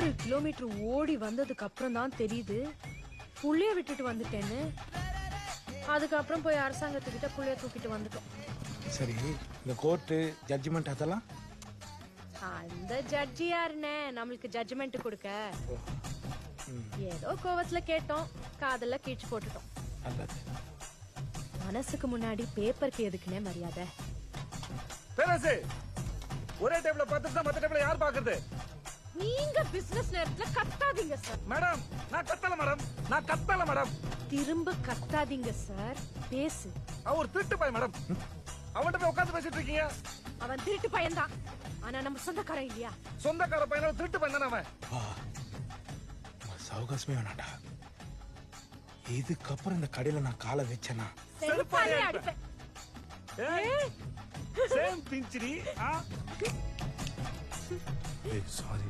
6 kilometre ஓடி வந்ததுக்கு அப்புறம் தான் தெரியுது புள்ளைய விட்டுட்டு வந்துட்டேன்னு. அதுக்கப்புறம் போய் அரசாங்கத்துக்கிட்ட புள்ளைய தூக்கிட்டு வந்துட்டோம். சரி, இந்த கோர்ட்டு ஜட்ஜ்மெண்ட் அதெல்லாம் அந்த ஜட்ஜி யாருன்னு நம்மளுக்கு ஜட்ஜ்மெண்ட் கொடுக்க? ஏதோ கோவத்துல கேட்டோம், காதல்ல கீழ்ச்சி போட்டுட்டோம். நல்லது. மனசுக்கு முன்னாடி பேப்பருக்கு எதுக்குன்னே மரியாதை. பேரரசு, ஒரே டேபிள பார்த்துட்டு தான் மத்த டேபிள யார் பாக்குறது? நீங்க பிசினஸ் நேரத்துல கத்தாதீங்க சார். மேடம், நான் கத்தல மேடம், நான் கத்தல மேடம். திரும்ப கத்தாதீங்க சார், பேசு. அவர் திருட்டு பையன் மேடம். அவன்கிட்ட போய் உட்கார்ந்து பேசிட்டு இருக்கீங்க. அவன் திருட்டு பையன்தான், ஆனா நம்ம சொந்தக்காரன் இல்லையா? சொந்தக்கார பையன திருட்டு பையன் தானே அவன். சௌகாசமே வேணாண்டா. இதுக்கப்புறம் இந்த கடையில நான் காலை வச்சேனா செருப்பாலே அடிப்பேன். சேம் பிஞ்சிரி. சாரி.